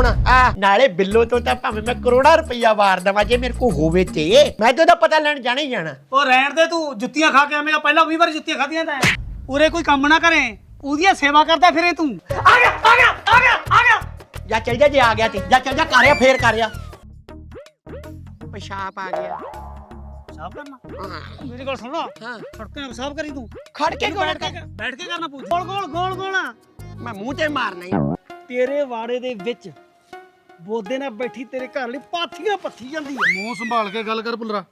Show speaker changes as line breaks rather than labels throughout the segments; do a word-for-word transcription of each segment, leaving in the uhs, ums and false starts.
ਆ ਨਾਲੇ ਬਿੱਲੋ ਤੋਂ ਤਾਂ ਭਾਵੇਂ ਮੈਂ ਕਰੋੜਾ ਰੁਪਈਆ ਵਾਰ ਦਵਾਂ ਜੇ ਮੇਰੇ ਕੋ ਹੋਵੇ ਤੇ ਮੈਂ ਤਾਂ ਉਹਦਾ ਪਤਾ ਲੈਣ ਜਾਣਾ ਹੀ ਜਾਣਾ।
ਉਹ ਰਹਿਣ ਦੇ ਤੂੰ ਜੁੱਤੀਆਂ ਖਾ ਕੇ ਆਵੇਂਗਾ ਪਹਿਲਾਂ ਵੀਹ ਵਾਰੀ ਜੁੱਤੀਆਂ ਖਾਧੀਆਂ ਤਾਂ ਉਰੇ ਕੋਈ ਕੰਮ ਨਾ ਕਰੇ ਉਹਦੀਆਂ ਸੇਵਾ ਕਰਦਾ ਫਿਰੇ ਤੂੰ।
ਆ ਗਿਆ ਆ ਗਿਆ ਆ ਗਿਆ ਆ ਗਿਆ ਜਾ ਚੱਲ ਜਾ ਜੇ ਆ ਗਿਆ ਤੇ ਜਾ ਚੱਲ ਜਾ ਕਰਿਆ ਫੇਰ ਕਰਿਆ ਪਿਸ਼ਾਬ ਆ ਗਿਆ।
ਸਾਫ ਕਰਨਾ ਮੇਰੀ ਗੱਲ ਸੁਣ ਲਾ
ਹਾਂ
ਖੜਕੇ ਸਾਫ ਕਰੀ ਤੂੰ
ਖੜ ਕੇ
ਬੈਠ ਕੇ ਬੈਠ ਕੇ ਕਰਨਾ ਪਊ ਗੋਲ ਗੋਲ ਗੋਲ ਗੋਲ
ਮੈਂ ਮੂੰਹ ਤੇ ਮਾਰਨਾ ਹੀ।
ਤੇਰੇ ਵਾੜੇ ਦੇ ਵਿੱਚ ਬੋਦੇ ਨਾਲ ਬੈਠੀ ਤੇਰੇ ਘਰ ਲਈ ਪਾਥੀਆਂ ਪੱਥੀ ਜਾਂਦੀ ਹੈ। ਮੂੰਹ ਸੰਭਾਲ ਕੇ ਗੱਲ ਕਰ ਪੁੱਲਰਾ।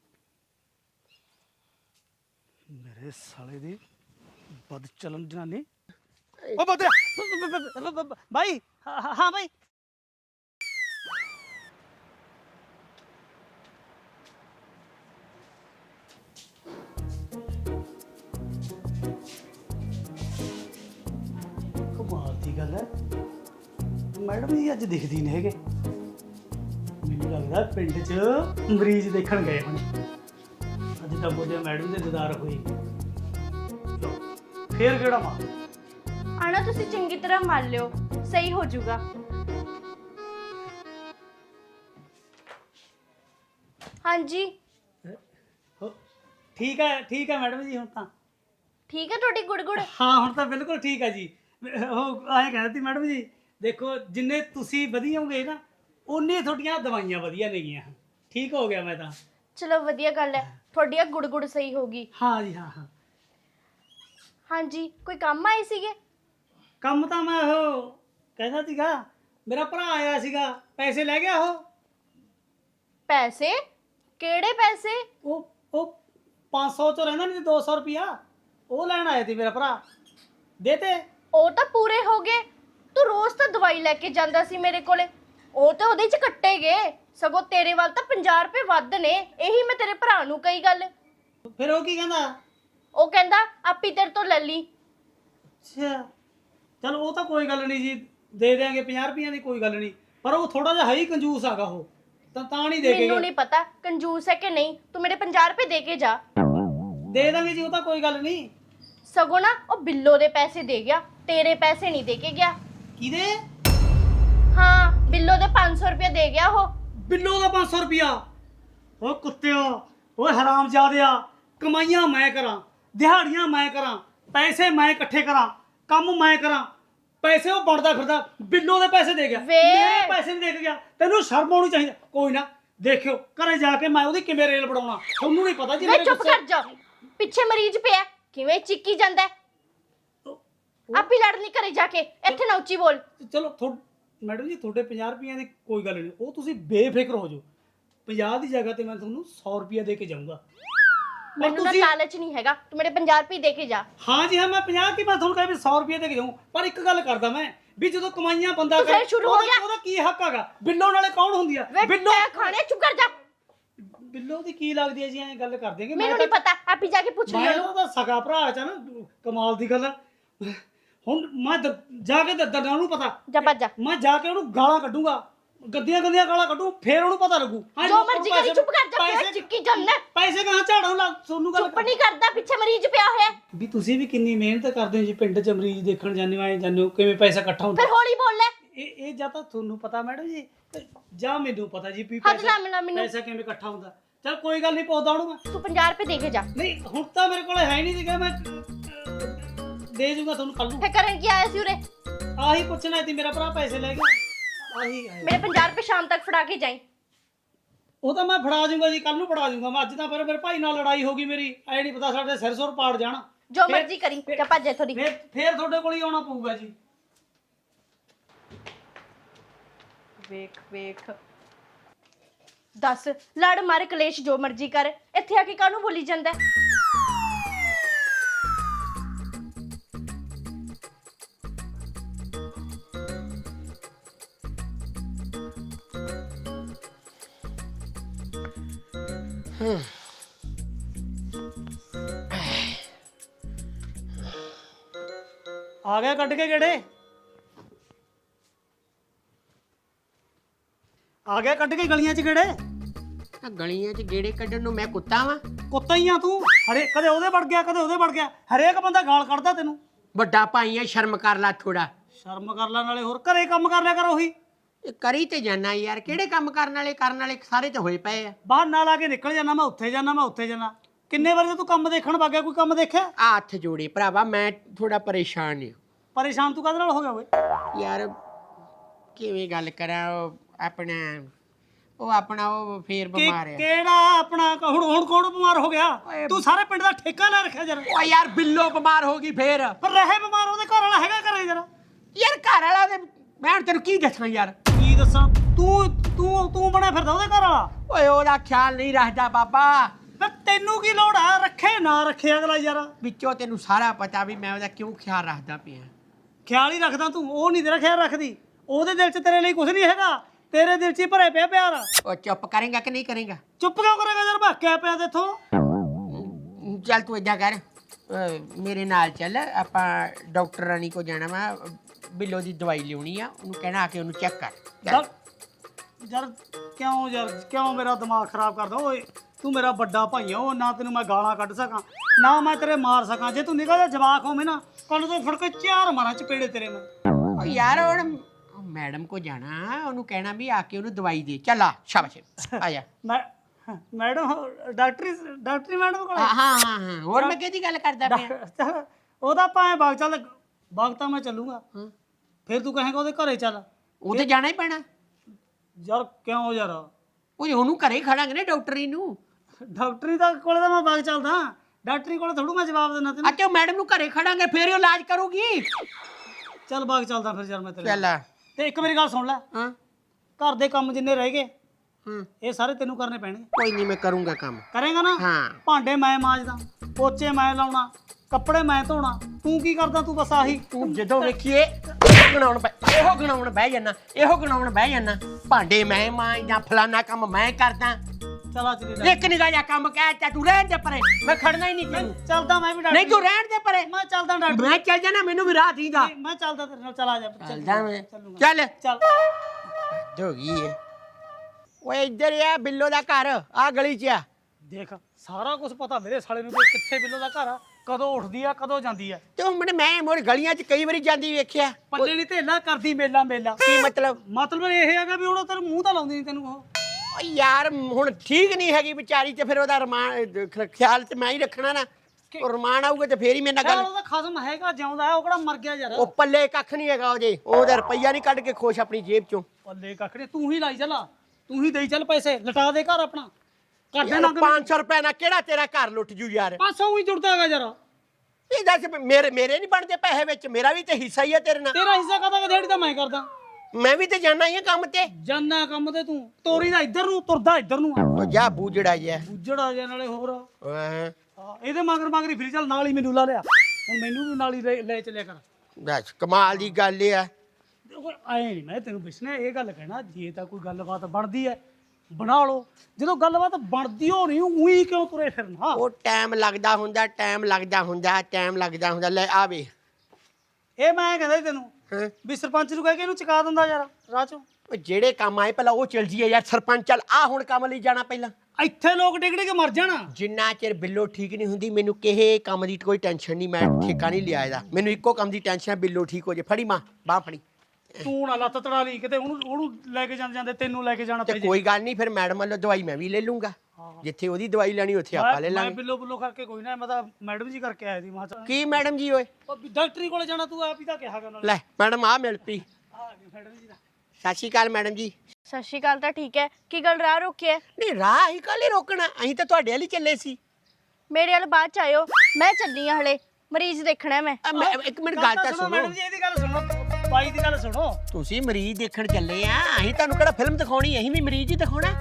ਮੇਰੇ ਸਾਲੇ ਦੀ ਬਦ ਚਲਨ ਜਨਾਨੀ। ਓ ਬਦਰਾ ਭਾਈ ਹਾਂ ਭਾਈ ਕਮਾਲ ਦੀ ਗੱਲ ਹੈ ਮੈਡਮ ਜੀ ਅੱਜ ਦਿਖਦੀ ਨਹੀਂ ਹੈਗੇ। ਮੈਨੂੰ ਲੱਗਦਾ ਪਿੰਡ 'ਚ ਮਰੀਜ਼ ਦੇਖਣ ਗਏ ਹੁਣ। ਅੱਜ ਤਾਂ ਬੋਲਿਆ ਮੈਡਮ ਦੇ ਦੀਦਾਰ ਹੋਈ ਫੇਰ ਕਿਹੜਾ ਮਾਰ
ਆਣਾ ਤੁਸੀਂ ਚੰਗੀ ਤਰ੍ਹਾਂ ਮੰਨ ਲਿਓ ਸਹੀ ਹੋ ਜਾਊਗਾ। ਹਾਂਜੀ
ਠੀਕ ਹੈ ਠੀਕ ਹੈ ਮੈਡਮ ਜੀ ਹੁਣ ਤਾਂ
ਠੀਕ ਹੈ ਤੁਹਾਡੀ ਗੁੜਗੁੜ।
ਹਾਂ ਹੁਣ ਤਾਂ ਬਿਲਕੁਲ ਠੀਕ ਹੈ ਜੀ। ਉਹ ਐਂ ਕਹਿੰਦਾ ਸੀ ਮੈਡਮ ਜੀ ਦੇਖੋ ਜਿੰਨੇ ਤੁਸੀਂ ਵਧੀਆ ਹੋਗੇ ਨਾ ਉਨੇ ਤੁਹਾਡੀਆਂ ਦਵਾਈਆਂ ਵਧੀਆ ਨੇਗੀਆਂ। ਠੀਕ ਹੋ ਗਿਆ ਮੈਂ ਤਾਂ।
ਚਲੋ ਵਧੀਆ ਗੱਲ ਹੈ ਤੁਹਾਡੀ ਗੁੜਗੁੜ ਸਹੀ ਹੋਗੀ।
ਹਾਂ ਜੀ ਹਾਂ ਹਾਂ
ਹਾਂਜੀ ਕੋਈ ਕੰਮ ਆਏ ਸੀਗੇ?
ਕੰਮ ਤਾਂ ਮੈਂ ਉਹ ਕਹਿੰਦਾ ਸੀਗਾ ਮੇਰਾ ਭਰਾ ਆਇਆ ਸੀਗਾ ਪੈਸੇ ਲੈ ਗਿਆ ਉਹ।
ਪੈਸੇ? ਕਿਹੜੇ ਪੈਸੇ?
ਉਹ ਉਹ ਪੰਜ ਸੌ ਚੋਂ ਰਹਿੰਦਾ ਨਹੀਂ ਦੋ ਸੌ ਰੁਪਿਆ ਉਹ ਲੈਣ ਆਇਆ ਸੀ ਮੇਰਾ ਭਰਾ। ਦੇ ਤੇ
ਉਹ ਤਾਂ ਪੂਰੇ ਹੋ ਗਏ। ਤੂੰ ਰੋਜ਼ ਤਾਂ ਦਵਾਈ ਲੈ ਕੇ ਜਾਂਦਾ ਸੀ ਮੇਰੇ ਕੋਲੇ ਉਹ ਤਾਂ ਉਹਦੇ ਚ ਕੱਟੇ ਗਏ। ਸਗੋਂ ਤੇਰੇ ਵੱਲ ਤਾਂ ਪੰਜਾਹ ਰੁਪਏ ਵੱਧ ਨੇ। ਇਹੀ ਮੈਂ ਤੇਰੇ ਭਰਾ ਨੂੰ ਕਹੀ ਗੱਲ।
ਫਿਰ ਉਹ ਕੀ ਕਹਿੰਦਾ?
ਉਹ ਕਹਿੰਦਾ ਆਪੀ ਤੇਰੇ ਤੋਂ ਲੈ ਲਈ।
ਅੱਛਾ ਚਲ ਉਹ ਤਾਂ ਕੋਈ ਗੱਲ ਨਹੀਂ ਜੀ ਦੇ ਦੇਾਂਗੇ ਪੰਜਾਹ ਰੁਪਈਆਂ ਦੀ ਕੋਈ ਗੱਲ ਨਹੀਂ ਪਰ ਉਹ ਥੋੜਾ ਜਿਹਾ ਹੈ ਹੀ ਕੰਜੂਸ ਹੈਗਾ ਉਹ ਤਾਂ ਤਾਂ ਨਹੀਂ ਦੇ ਕੇ
ਮੈਨੂੰ ਨਹੀਂ ਪਤਾ ਕੰਜੂਸ ਹੈ ਕਿ ਨਹੀਂ। ਤੂੰ ਮੇਰੇ ਪੰਜਾਹ ਰੁਪਏ ਦੇ ਕੇ ਜਾ।
ਦੇ ਦਾਂਗੇ ਜੀ ਉਹ ਤਾਂ ਕੋਈ ਗੱਲ ਨਹੀਂ।
ਸਗੋਂ ਨਾ ਉਹ ਬਿੱਲੋ ਦੇ ਪੈਸੇ ਦੇ ਗਿਆ ਤੇਰੇ ਪੈਸੇ ਨਹੀਂ ਦੇ ਕੇ ਗਿਆ।
ਕਿਹਦੇ?
ਹਾਂ ਬਿੱਲੋ ਦੇ ਪੰਜ ਸੌ ਰੁਪਏ ਦੇ ਗਿਆ ਉਹ।
ਬਿੱਲੋ ਦਾ ਪੰਜ ਸੌ ਰੁਪਿਆ? ਉਹ ਕੁੱਤਿਓ ਓਏ ਹਰਾਮਜ਼ਾਦਿਆ ਕਮਾਈਆਂ ਮੈਂ ਕਰਾਂ ਦਿਹਾੜੀਆਂ ਮੈਂ ਕਰਾਂ ਪੈਸੇ ਮੈਂ ਇਕੱਠੇ ਕਰਾਂ ਕੰਮ ਮੈਂ ਕਰਾਂ ਪੈਸੇ ਉਹ ਬਣਦਾ ਫਿਰਦਾ ਬਿੱਲੋ ਦੇ ਪੈਸੇ ਦੇ ਗਿਆ ਮੇਰੇ ਪੈਸੇ ਨਹੀਂ ਦੇ ਕੇ ਗਿਆ। ਤੈਨੂੰ ਸ਼ਰਮ ਆਉਣੀ ਚਾਹੀਦੀ। ਕੋਈ ਨਾ ਦੇਖਿਓ ਘਰੇ ਜਾ ਕੇ ਮੈਂ ਉਹਦੀ ਕਿਵੇਂ ਰੇਲ ਬਣਾਉਣਾ ਤੁਹਾਨੂੰ ਨਹੀਂ ਪਤਾ ਜੀ।
ਵੇ ਚੁੱਪ ਕਰ ਜਾ ਪਿੱਛੇ ਮਰੀਜ਼ ਪਿਆ ਕਿਵੇਂ ਚਿੱਕੀ ਜਾਂਦਾ। ਆਪੀ ਲੜਨੀ ਘਰੇ ਜਾ ਕੇ ਇੱਥੇ ਨਾ ਉੱਚੀ ਬੋਲ।
ਚਲੋ ਮੈਡਮ ਜੀ ਤੁਹਾਡੇ ਪੰਜਾਹ ਰੁਪਈਆਂ ਦੀ ਕੋਈ ਗੱਲ ਨਹੀਂ ਉਹ ਤੁਸੀਂ ਬੇਫਿਕਰ ਹੋ ਜਾਓ। ਪੰਜਾਹ ਦੀ ਜਗ੍ਹਾ ਤੇ ਮੈਂ ਤੁਹਾਨੂੰ ਸੌ ਰੁਪਈਆ ਦੇ ਕੇ ਜਾਊਂਗਾ।
ਮੈਨੂੰ ਨਾ ਲਾਲਚ ਨਹੀਂ ਹੈਗਾ ਤੂੰ ਮੇਰੇ ਪੰਜਾਹ ਰੁਪਏ ਦੇ ਕੇ ਜਾ।
ਹਾਂ ਜੀ ਹਾਂ ਮੈਂ ਪੰਜਾਹ ਕੀ ਮੈਂ ਤੁਹਾਨੂੰ ਕਹਾਂ ਵੀ ਸੌ ਰੁਪਏ ਦੇ ਕੇ ਜਾਊਂ ਪਰ ਇੱਕ ਗੱਲ ਕਰਦਾ ਮੈਂ ਵੀ ਜਦੋਂ ਕਮਾਈਆਂ ਬੰਦਾ
ਕਰੇ ਉਹਦਾ
ਕੀ ਹੱਕ ਹੈਗਾ? ਬਿੱਲੋ ਨਾਲੇ ਕੌਣ ਹੁੰਦੀ ਆ?
ਬਿੱਲੋ ਖਾਣੇ ਚੁੱਪ ਕਰ ਜਾ।
ਬਿੱਲੋ ਦੀ ਕੀ ਲੱਗਦੀ ਹੈ ਜੀ ਐਂ ਗੱਲ ਕਰਦੇ ਕਿ
ਮੈਨੂੰ ਨਹੀਂ ਪਤਾ ਆਪੀ ਜਾ ਕੇ ਪੁੱਛ
ਮੈਂ ਉਹਦਾ ਸਗਾ ਭਰਾ ਚ ਨਾ ਕਮਾਲ ਦੀ ਗੱਲ ਹੁਣ ਮੈਂ ਜਾ ਕੇ ਦਰਦਾਂ ਨੂੰ ਪਤਾ
ਜਾ ਭੱਜ ਜਾ।
ਮੈਂ ਜਾ ਕੇ ਉਹਨੂੰ ਗਾਲਾਂ ਕੱਢੂੰਗਾ ਗੰਦੀਆਂ ਗੰਦੀਆਂ ਗਾਲਾਂ ਕੱਢੂ ਫੇਰ ਉਹਨੂੰ ਪਤਾ ਲੱਗੂ।
ਜੋ ਮਰਜ਼ੀ ਕਰੀ ਚੁੱਪ ਕਰ ਜਾ ਫੇਰ ਚਿੱਕੀ ਜਾਂਦਾ।
ਪੈਸੇ ਕਹਾਂ ਝਾੜੂ ਲਾ ਸੋਨੂੰ ਗੱਲ
ਚੁੱਪ ਨਹੀਂ ਕਰਦਾ ਪਿੱਛੇ ਮਰੀਜ਼ ਪਿਆ ਹੋਇਆ।
ਵੀ ਤੁਸੀਂ ਵੀ ਕਿੰਨੀ ਮਿਹਨਤ ਕਰਦੇ ਹੋ ਜੀ ਪਿੰਡ 'ਚ ਮਰੀਜ਼ ਦੇਖਣ ਜਾਂਦੇ ਹੋ ਐਂ ਜਾਂਦੇ ਹੋ ਕਿਵੇਂ ਪੈਸਾ ਇਕੱਠਾ ਹੁੰਦਾ।
ਫਿਰ ਹੌਲੀ ਬੋਲ ਲੈ।
ਇਹ ਇਹ ਜਾਂ ਤਾਂ ਤੁਹਾਨੂੰ ਪਤਾ ਮੈਡਮ ਜੀ ਜਾਂ ਮੈਨੂੰ ਪਤਾ ਜੀ ਵੀ
ਹੱਥ ਲਾ ਮਿਲਾ ਮੈਨੂੰ
ਪੈਸਾ ਕਿਵੇਂ ਇਕੱਠਾ ਹੁੰਦਾ। ਚਲ ਕੋਈ ਗੱਲ ਨਹੀਂ ਪੁੱਛਦਾ ਉਹਨੂੰ ਮੈਂ।
ਤੂੰ ਪੰਜਾਹ ਰੁਪਏ ਦੇ ਕੇ ਜਾ।
ਨਹੀਂ ਹੁਣ ਤਾਂ ਮੇਰੇ ਕੋਲ ਹੈ ਨਹੀਂ ਸੀਗਾ ਮੈਂ ਦੇ ਜੂਗਾ ਤੁਹਾਨੂੰ ਕੱਲ ਨੂੰ।
ਫੇ ਕਰਨ ਕੀ ਆਇਆ ਸੀ ਉਰੇ?
ਆਹੀ ਪੁੱਛਣਾ ਸੀ ਮੇਰਾ ਭਰਾ ਪੈਸੇ ਲੈ ਗਿਆ ਆਹੀ
ਮੇਰੇ ਪੰਜਾਹ ਰੁਪਏ ਸ਼ਾਮ ਤੱਕ ਫੜਾ ਕੇ ਜਾਈਂ।
ਉਹ ਤਾਂ ਮੈਂ ਫੜਾ ਜੂਗਾ ਜੀ ਕੱਲ ਨੂੰ ਫੜਾ ਜੂਗਾ ਮੈਂ। ਅੱਜ ਤਾਂ ਫਿਰ ਮੇਰੇ ਭਾਈ ਨਾਲ ਲੜਾਈ ਹੋ ਗਈ ਮੇਰੀ ਐ ਨਹੀਂ ਪਤਾ ਸਾਡੇ ਸਿਰ ਸੁਰ ਪਾੜ ਜਾਣਾ।
ਜੋ ਮਰਜ਼ੀ ਕਰੀ ਜਾਂ ਭੱਜ ਜਾ ਥੋੜੀ।
ਫਿਰ ਫਿਰ ਤੁਹਾਡੇ ਕੋਲ ਹੀ ਆਉਣਾ ਪਊਗਾ ਜੀ।
ਵੇਖ ਵੇਖ ਦੱਸ ਲੜ ਮਾਰ ਕਲੇਸ਼ ਜੋ ਮਰਜ਼ੀ ਕਰ ਇੱਥੇ ਆ ਕੇ ਕਾਹਨੂੰ ਬੋਲੀ ਜਾਂਦਾ।
ਆ ਗਿਆ ਕੱਢ ਕੇ ਗੇੜੇ ਆ ਗਿਆ ਕੱਢ ਕੇ ਗਲੀਆਂ 'ਚ ਗੇੜੇ।
ਆ ਗਲੀਆਂ 'ਚ ਗੇੜੇ ਕੱਢਣ ਨੂੰ ਮੈਂ ਕੁੱਤਾ ਵਾਂ?
ਕੁੱਤਾ ਹੀ ਆ ਤੂੰ। ਹਰੇ ਕਦੇ ਉਹਦੇ ਵੜ ਗਿਆ ਕਦੇ ਉਹਦੇ ਵੜ ਗਿਆ ਹਰੇਕ ਬੰਦਾ ਗਾਲ ਕੱਢਦਾ ਤੈਨੂੰ।
ਵੱਡਾ ਭਾਈ ਆ ਸ਼ਰਮ ਕਰ ਲੈ ਥੋੜਾ।
ਸ਼ਰਮ ਕਰ ਲੈ ਨਾਲੇ ਹੋਰ ਘਰੇ ਕੰਮ ਕਰ ਲਿਆ ਕਰ ਉਹੀ
ਇਹ ਕਰੀ ਤੇ ਜਾਣਾ ਯਾਰ, ਕਿਹੜੇ ਕੰਮ ਕਰਨ ਵਾਲੇ ਕਰਨ ਵਾਲੇ ਸਾਰੇ ਤੇ ਹੋਏ ਪਏ ਆ।
ਬਹਾਨਾ ਲਾ ਕੇ ਨਿਕਲ ਜਾਣਾ, ਮੈਂ ਉੱਥੇ ਜਾਣਾ ਮੈਂ ਉੱਥੇ ਜਾਣਾ। ਕਿੰਨੇ ਵਾਰੀ ਤਾਂ ਤੂੰ ਕੰਮ ਦੇਖਣ ਵਗ ਗਿਆ, ਕੋਈ ਕੰਮ ਦੇਖਿਆ?
ਆ ਹੱਥ ਜੋੜੇ ਭਰਾਵਾ, ਮੈਂ ਥੋੜਾ ਪਰੇਸ਼ਾਨ ਹਾਂ।
ਪਰੇਸ਼ਾਨ ਤੂੰ ਕਾਹਦੇ ਨਾਲ ਹੋ ਗਿਆ ਓਏ?
ਯਾਰ ਕਿਵੇਂ ਗੱਲ ਕਰਾਂ, ਉਹ ਆਪਣਾ ਉਹ ਆਪਣਾ ਉਹ ਫੇਰ ਬਿਮਾਰ ਆ।
ਕਿਹੜਾ ਆਪਣਾ? ਹੁਣ ਹੁਣ ਕੌਣ ਬਿਮਾਰ ਹੋ ਗਿਆ? ਤੂੰ ਸਾਰੇ ਪਿੰਡ ਦਾ ਠੇਕਾ ਲੈ ਰੱਖਿਆ ਜਰਾ।
ਓ ਯਾਰ ਬਿੱਲੋ ਬਿਮਾਰ ਹੋ ਗਈ ਫੇਰ।
ਪਰ ਰਹੇ ਬਿਮਾਰ, ਉਹਦੇ ਘਰ ਵਾਲਾ ਹੈਗਾ ਘਰੇ ਜਰਾ।
ਯਾਰ ਘਰ ਵਾਲਾ ਦੇ ਮੈਂ ਹੁਣ ਤੈਨੂੰ ਕੀ ਦੱਸਾਂ ਯਾਰ।
ਕੀ ਦੱਸਾਂ? ਤੂੰ ਤੂੰ ਤੂੰ ਬਣਿਆ ਫਿਰਦਾ ਉਹਦੇ ਘਰ ਵਾਲਾ।
ਓਏ ਉਹਦਾ ਖਿਆਲ ਨਹੀਂ ਰੱਖਦਾ ਬਾਬਾ।
ਫਿਰ ਤੈਨੂੰ ਕੀ ਲੋੜ ਆ? ਰੱਖੇ ਨਾ ਰੱਖੇ ਅਗਲਾ ਯਾਰ।
ਵਿੱਚੋਂ ਤੈਨੂੰ ਸਾਰਾ ਪਤਾ ਵੀ ਮੈਂ ਉਹਦਾ ਕਿਉਂ ਖਿਆਲ ਰੱਖਦਾ ਪਿਆ।
ਖਿਆਲ ਹੀ ਰੱਖਦਾ ਤੂੰ, ਉਹ ਨਹੀਂ ਤੇਰਾ ਖਿਆਲ ਰੱਖਦੀ। ਉਹਦੇ ਦਿਲ 'ਚ ਤੇਰੇ ਲਈ ਕੁਝ ਨਹੀਂ ਹੈਗਾ, ਤੇਰੇ ਦਿਲ 'ਚ ਹੀ ਭਰੇ ਪਿਆ ਪਿਆਰ।
ਉਹ ਚੁੱਪ ਕਰੇਗਾ ਕਿ ਨਹੀਂ ਕਰੇਗਾ?
ਚੁੱਪ ਕਿਉਂ ਕਰੇਗਾ ਯਾਰ? ਭੱਕਿਆ ਪਿਆ ਤੇਥੋਂ।
ਚੱਲ ਤੂੰ ਏਦਾਂ ਕਰ, ਅਹ ਮੇਰੇ ਨਾਲ ਚੱਲ, ਆਪਾਂ ਡਾਕਟਰ ਰਾਣੀ ਕੋ ਜਾਣਾ ਵਾ, ਬਿੱਲੋ ਦੀ ਦਵਾਈ ਲਿਆਉਣੀ ਆ, ਉਹਨੂੰ ਕਹਿਣਾ ਆ ਕੇ ਉਹਨੂੰ ਚੈੱਕ ਕਰ।
ਯਾਰ ਯਾਰ ਕਿਉਂ ਯਾਰ ਕਿਉਂ ਮੇਰਾ ਦਿਮਾਗ ਖਰਾਬ ਕਰਦਾ ਓਏ? ਤੂੰ ਮੇਰਾ ਵੱਡਾ ਭਾਈ ਆ, ਉਹ ਨਾ ਤੈਨੂੰ ਮੈਂ ਗਾਲਾਂ ਕੱਢ ਸਕਾਂ ਨਾ ਮੈਂ ਤੇਰੇ ਮਾਰ ਸਕਾਂ। ਜੇ ਤੂੰ ਨਿਕਲ ਜਾ ਜਵਾਕ ਹੋਵੇਂ ਨਾ, ਕੱਲ ਤੋਂ ਫੜ ਕੇ ਚਾਰ ਮਾਰਾਂ ਚਪੇੜੇ ਤੇਰੇ ਮੈਂ।
ਉਹ ਯਾਰ ਹੁਣ ਮੈਡਮ ਕੋ ਜਾਣਾ, ਉਹਨੂੰ ਕਹਿਣਾ ਵੀ ਆ ਕੇ ਉਹਨੂੰ ਦਵਾਈ ਦੇ। ਚੱਲ ਆ, ਸ਼ਾਬਾਸ਼ ਆ ਜਾ।
ਮੈਂ ਮੈਡਮ ਡਾਕਟਰੀ ਡਾਕਟਰੀ ਮੈਡਮ ਕੋਲ?
ਹਾਂ ਹਾਂ ਹਾਂ, ਹੋਰ ਮੈਂ ਕਿਹਦੀ ਗੱਲ ਕਰਦਾ ਪਿਆ?
ਚੱਲ ਉਹਦਾ ਭਾਵੇਂ ਬਾਗ ਚੱਲ, ਬਾਗ ਤਾਂ ਮੈਂ ਚੱਲੂਗਾ। ਫਿਰ ਤੂੰ ਕਹੇਂਗਾ ਉਹਦੇ ਘਰੇ ਚੱਲ।
ਉਹ ਤੇ ਜਾਣਾ ਹੀ ਪੈਣਾ
ਯਾਰ ਕਿਉਂ ਯਾਰ?
ਉਹ ਉਹਨੂੰ ਘਰੇ ਹੀ ਖੜਾਂਗੇ ਨਾ ਡਾਕਟਰੀ ਨੂੰ।
ਡਾਕਟਰੀ ਦਾ ਕੋਲੇ ਤਾਂ ਮੈਂ ਬਾਗ ਚੱਲਦਾ, ਡਾਕਟਰੀ ਕੋਲੇ ਥੋੜੂ ਮੈਂ ਜਵਾਬ ਦੇਣਾ ਤੈਨੂੰ।
ਅੱਛਾ ਮੈਡਮ ਨੂੰ ਘਰੇ ਖੜਾਂਗੇ ਫੇਰ ਉਹ ਇਲਾਜ ਕਰੂਗੀ।
ਚੱਲ ਬਾਗ ਚੱਲਦਾ ਫਿਰ ਯਾਰ ਮੈਂ ਤੇਰੇ
ਚੱਲ।
ਤੇ ਇੱਕ ਮੇਰੀ ਗੱਲ ਸੁਣ ਲੈ,
ਹਾਂ
ਘਰ ਦੇ ਕੰਮ ਜਿੰਨੇ ਰਹਿ ਗਏ
ਹਾਂ,
ਇਹ ਸਾਰੇ ਤੈਨੂੰ ਕਰਨੇ ਪੈਣਗੇ।
ਕੋਈ ਨਹੀਂ ਮੈਂ ਕਰੂੰਗਾ ਕੰਮ।
ਕਰੇਗਾ ਨਾ?
ਹਾਂ।
ਭਾਂਡੇ ਮੈਂ ਮਾਂਜਦਾ, ਪੋਚੇ ਮੈਂ ਲਾਉਣਾ, ਕੱਪੜੇ ਮੈਂ ਧੋਣਾ, ਤੂੰ ਕੀ ਕਰਦਾ? ਤੂੰ ਬਸ ਆਹੀ।
ਤੂੰ ਜਦੋਂ ਵੇਖੀਏ ਗਣਾਉਣ ਬੈ ਇਹੋ ਗਣਾਉਣ ਬਹਿ ਜਾਣਾ, ਇਹੋ ਗਣਾਉਣ ਬਹਿ ਜਾਣਾ। ਭਾਂਡੇ ਮੈਂ ਮਾਂਜਦਾ, ਫਲਾਨਾ ਕੰਮ ਮੈਂ ਕਰਦਾ।
ਚਲਾ ਚਲੀ ਜਾ।
ਇੱਕ ਨਿਗਾਹ ਜਿਹਾ ਕੰਮ ਕਹਿ ਤਾ ਤੂੰ ਰਹਿਣ ਦੇ ਪਰੇ, ਮੈਂ ਖੜਨਾ ਹੀ ਨਹੀਂ ਤੈਨੂੰ।
ਚੱਲਦਾ ਮੈਂ ਵੀ ਡਾਕਟਰ।
ਨਹੀਂ ਤੂੰ ਰਹਿਣ ਦੇ ਪਰੇ,
ਮੈਂ ਚੱਲਦਾ ਡਾਕਟਰ।
ਮੈਂ ਚੱਲ ਜਾਣਾ, ਮੈਨੂੰ ਵੀ ਰਾਹ ਦੀਦਾ।
ਮੈਂ ਚੱਲਦਾ ਤੇਰੇ ਨਾਲ, ਚਲਾ ਜਾ।
ਚੱਲਦਾ ਮੈਂ।
ਚੱਲੂਗਾ।
ਚੱਲ
ਚੱਲ।
ਹੋ ਗਈ ਏ। ਓਏ ਇੱਧਰ ਆ ਬਿੱਲੋ ਦਾ ਘਰ, ਆ ਗਲੀ 'ਚ ਆ।
ਦੇਖ ਸਾਰਾ ਕੁਝ ਪਤਾ ਮੇਰੇ ਸਾਲੇ ਨੂੰ, ਕਿ ਕਿੱਥੇ ਬਿੱਲੋ ਦਾ ਘਰ ਆ, ਕਦੋਂ ਉੱਠਦੀ ਆ ਕਦੋਂ ਜਾਂਦੀ ਆ।
ਤੇ ਹੁਣ ਮੈਂ ਮੋੜ ਗਲੀਆਂ 'ਚ ਕਈ ਵਾਰੀ ਜਾਂਦੀ ਵੇਖਿਆ।
ਪੱਲੇ ਨਹੀਂ ਢੇਲਾ ਕਰਦੀ ਮੇਲਾ ਮੇਲਾ।
ਕੀ ਮਤਲਬ?
ਮਤਲਬ ਇਹ ਹੈਗਾ ਵੀ ਹੁਣ ਤੇਰੇ ਮੂੰਹ ਤਾਂ ਲਾਉਂਦੀ ਨਹੀਂ ਤੈਨੂੰ ਉਹ।
ਓ ਯਾਰ ਹੁਣ ਠੀਕ ਨਹੀਂ ਹੈਗੀ ਵਿਚਾਰੀ, ਤੇ ਫਿਰ ਉਹਦਾ ਰਮਾਨ ਖਿਆਲ ਤੇ ਮੈਂ ਹੀ ਰੱਖਣਾ ਨਾ। ਉਹ ਰਮਾਨ ਆਊਗਾ ਤੇ ਫੇਰ ਹੀ ਮੇਰੇ ਨਾਲ
ਚੱਲ
ਗੱਲ।
ਉਹਦਾ ਖਸਮ ਹੈਗਾ, ਜਿਉਂਦਾ ਹੈ, ਉਹ ਕਿਹੜਾ ਮਰ ਗਿਆ ਯਾਰ।
ਉਹ ਪੱਲੇ ਕੱਖ ਨਹੀਂ ਹੈਗਾ ਉਹਦੇ, ਉਹਦਾ ਰੁਪਈਆ ਨਹੀਂ ਕੱਢ ਕੇ ਖੁਸ਼ ਆਪਣੀ ਜੇਬ 'ਚੋਂ।
ਪੱਲੇ ਕੱਖੜੇ ਤੂੰ ਹੀ ਲਾਈ ਚੱਲਾ, ਤੂੰ ਹੀ ਦੇਈ ਚੱਲ ਪੈਸੇ, ਲਟਾ ਦੇ ਘਰ ਆਪਣਾ। ਕਰਦੇ
ਯਾਰ
ਨਾ
ਪੰਜ ਸੌ ਰੁਪਏ ਨਾਲ ਕਿਹੜਾ ਤੇਰਾ ਘਰ ਲੁੱਟ ਜੂ ਯਾਰ?
ਪੰਜ ਸੌ ਹੀ ਜੁੜਦਾ ਹੈਗਾ ਯਾਰ।
ਇਹ ਦੱਸ ਮੇਰੇ ਮੇਰੇ ਨਹੀਂ ਬਣਦੇ ਪੈਸੇ ਵਿੱਚ, ਮੇਰਾ ਵੀ ਤੇ ਹਿੱਸਾ ਹੀ ਹੈ ਤੇਰੇ ਨਾਲ।
ਤੇਰਾ ਹਿੱਸਾ ਕਾਹਦਾ? ਦਿਹਾੜੀ ਤਾਂ ਮੈਂ ਕਰਦਾ।
ਮੈਂ ਵੀ ਤੇ ਜਾਣਾ ਹੀ ਆ ਕੰਮ ਤੇ।
ਜਾਨਾ ਕੰਮ ਤੇ ਤੂੰ ਤੋਰੀ ਦਾ ਇੱਧਰ ਨੂੰ, ਤੁਰਦਾ ਇੱਧਰ ਨੂੰ ਆ।
ਉਹ ਜਾ ਬੂਜੜਾ ਜਿਹਾ।
ਬੁੱਜੜ ਜਾ ਨਾਲੇ ਹੋਰ।
ਹਾਂ
ਹਾਂ, ਇਹਦੇ ਮਗਰ ਮਗਰ ਹੀ ਫਿਰ ਚੱਲ, ਨਾਲ ਹੀ ਮੈਨੂੰ ਲਾ ਲਿਆ। ਹੁਣ ਮੈਨੂੰ ਵੀ ਨਾਲ ਹੀ ਲੈ ਲੈ ਚੱਲਿਆ ਕਰ।
ਦੱਸ ਕਮਾਲ ਦੀ ਗੱਲ ਆ।
ਆਏ ਨਹੀਂ ਮੈਂ ਤੈਨੂੰ ਪੁੱਛਣਾ, ਇਹ ਗੱਲ ਕਹਿਣਾ, ਜੇ ਤਾਂ ਕੋਈ ਗੱਲਬਾਤ ਬਣਦੀ ਹੈ ਬਣਾ ਲਓ, ਜਦੋਂ ਗੱਲਬਾਤ ਬਣਦੀ ਹੋ ਨਹੀਂ ਉਹੀ ਕਿਉਂ ਤੁਰੇ ਫਿਰਨਾ?
ਉਹ ਟਾਈਮ ਲੱਗਦਾ ਹੁੰਦਾ, ਟਾਈਮ ਲੱਗਦਾ ਹੁੰਦਾ, ਟਾਈਮ ਲੱਗਦਾ ਹੁੰਦਾ। ਲੈ ਆਵੇ
ਇਹ ਮੈਂ ਕਹਿੰਦਾ ਸੀ ਤੈਨੂੰ
ਹਾਂ,
ਵੀ ਸਰਪੰਚ ਨੂੰ ਕਹਿ ਕੇ ਇਹਨੂੰ ਚੁਕਾ ਦਿੰਦਾ ਯਾਰ ਰਾਹ ਚੋਂ।
ਉਹ ਜਿਹੜੇ ਕੰਮ ਆਏ ਪਹਿਲਾਂ ਉਹ ਚਲ ਜੀਏ ਯਾਰ। ਸਰਪੰਚ ਚੱਲ ਆ ਹੁਣ ਕੰਮ ਲਈ ਜਾਣਾ ਪਹਿਲਾਂ।
ਇੱਥੇ ਲੋਕ ਡਿੱਗ ਡਿੱਗ ਕੇ ਮਰ ਜਾਣਾ।
ਜਿੰਨਾ ਚਿਰ ਬਿੱਲੋ ਠੀਕ ਨਹੀਂ ਹੁੰਦੀ ਮੈਨੂੰ ਕਿਸੇ ਕੰਮ ਦੀ ਕੋਈ ਟੈਨਸ਼ਨ ਨਹੀਂ, ਮੈਂ ਠੇਕਾ ਨਹੀਂ ਲਿਆ ਇਹਦਾ। ਮੈਨੂੰ ਇੱਕੋ ਕੰਮ ਦੀ ਟੈਨਸ਼ਨ ਹੈ, ਬਿੱਲੋ ਠੀਕ ਹੋ ਜੇ। ਫੜੀ ਮਾਂ ਬਾਹ ਫੜੀ।
ਤੂੰ ਨਾ ਲੱਤ ਤੜਾ ਲਈ ਕਿਤੇ, ਉਹਨੂੰ ਉਹਨੂੰ ਲੈ ਕੇ ਜਾਂਦੇ ਜਾਂਦੇ ਤੈਨੂੰ ਲੈ ਕੇ ਜਾਣਾ
ਤੇ
ਪੈ ਜੇ।
ਕੋਈ ਗੱਲ ਨਹੀਂ, ਫਿਰ ਮੈਡਮ ਵੱਲੋਂ ਦਵਾਈ ਮੈਂ ਵੀ ਲੈ ਲੂੰਗਾ। ਜਿੱਥੇ ਉਹਦੀ ਦਵਾਈ ਲੈਣੀ ਉੱਥੇ ਆਪਾਂ ਲੈ
ਮੈਂ
ਲਾਂਗੇ।
ਬਿੱਲੋ ਬਿੱਲੋ ਕਰਕੇ ਕੋਈ ਨਾ, ਮੈਂ ਤਾਂ ਮੈਡਮ ਜੀ ਕਰਕੇ ਆਇਆ ਸੀ। ਮਾਂ ਚਾ
ਕੀ ਮੈਡਮ ਜੀ ਓਏ?
ਉਹ ਡਾਕਟਰੀ ਕੋਲੇ ਜਾਣਾ, ਤੂੰ ਆਪ ਹੀ ਤਾਂ ਕਿਹਾ ਕਰ ਨਾਲ।
ਲੈ ਮੈਡਮ ਆ ਮਿਲ ਪਈ।
ਆ ਗਈ ਮੈਡਮ ਜੀ ਦਾ।
ਸਤਿ ਸ਼੍ਰੀ ਅਕਾਲ ਮੈਡਮ ਜੀ।
ਸਤਿ ਸ਼੍ਰੀ ਅਕਾਲ ਤਾਂ ਠੀਕ ਹੈ, ਕੀ ਗੱਲ ਰਾਹ ਰੋਕਿਆ?
ਨਹੀਂ ਰਾਹ ਹੀ ਕਾਲੇ ਰੋਕਣਾ, ਅਸੀਂ ਤਾਂ ਤੁਹਾਡੇ ਵਾਲੀ ਚੱਲੇ ਸੀ।
ਮੇਰੇ ਵੱਲ ਬਾਅਦ ਚ ਆਇਓ, ਮੈਂ ਚੱਲੀ ਆ ਹਲੇ, ਮਰੀਜ਼ ਦੇਖਣਾ ਮੈਂ।
ਆ ਮੈਂ- ਇੱਕ ਮਿੰਟ ਗੱਲ ਤਾਂ ਸੁਣੋ।
ਮੈਡਮ ਜੀ ਇਹਦੀ ਗੱਲ ਸੁਣੋ, ਬਾਈ ਦੀ ਗੱਲ ਸੁਣੋ।
ਤੁਸੀਂ ਮਰੀਜ਼ ਦੇਖਣ ਚੱਲੇ ਆ, ਅਸੀਂ ਤੁਹਾਨੂੰ ਕਿਹੜਾ ਫਿਲਮ ਦਿਖਾਉਣੀ, ਅਸੀਂ ਵੀ ਮਰੀਜ਼ ਹੀ ਦਿਖਾਉਣਾ।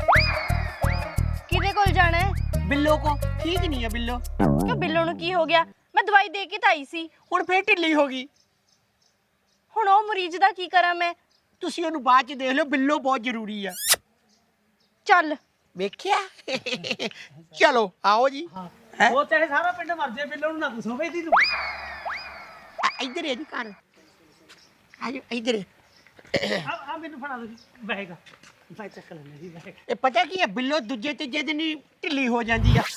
ਕਿਹਦੇ ਕੋਲ ਜਾਣਾ ਹੈ?
ਬਿੱਲੋ ਕੋ ਠੀਕ ਨਹੀਂ ਆ ਬਿੱਲੋ।
ਕਿਉਂ ਬਿੱਲੋ ਨੂੰ ਕੀ ਹੋ ਗਿਆ? ਮੈਂ ਦਵਾਈ ਦੇ ਕੇ ਤਾਂ ਆਈ ਸੀ।
ਹੁਣ ਫੇਰ ਢਿੱਲੀ ਹੋ ਗਈ।
ਹੁਣ ਉਹ ਮਰੀਜ਼ ਦਾ ਕੀ ਕਰਾਂ ਮੈਂ?
ਤੁਸੀਂ ਉਹਨੂੰ ਬਾਅਦ ਚ ਦੇਖ ਲਿਓ, ਬਿੱਲੋ ਬਹੁਤ ਜ਼ਰੂਰੀ ਆ।
ਚੱਲ
ਵੇਖਿਆ? ਚਲੋ ਆਓ ਜੀ। ਹੈਂ?
ਉਹ ਚਾਹੇ ਸਾਰਾ ਪਿੰਡ ਮਰ ਜਾਏ, ਬਿੱਲੋ ਨੂੰ ਨਾ ਦੱਸੋ ਬਈ ਤੈਨੂੰ।
ਆ, ਇੱਧਰ ਹੈ ਜੀ ਘਰ। ਆਜੋ ਇੱਧਰ।
ਆ ਆ ਮੈਨੂੰ ਫੜਾ ਦੋ ਜੀ ਬੈਗ, ਮੈਂ ਚੱਕ ਲੈਣਾ ਜੀ ਬੈਗ।
ਇਹ ਪਤਾ ਕੀ ਹੈ, ਬਿੱਲੋ ਦੂਜੇ ਤੀਜੇ ਦਿਨ ਹੀ ਢਿੱਲੀ ਹੋ ਜਾਂਦੀ ਆ।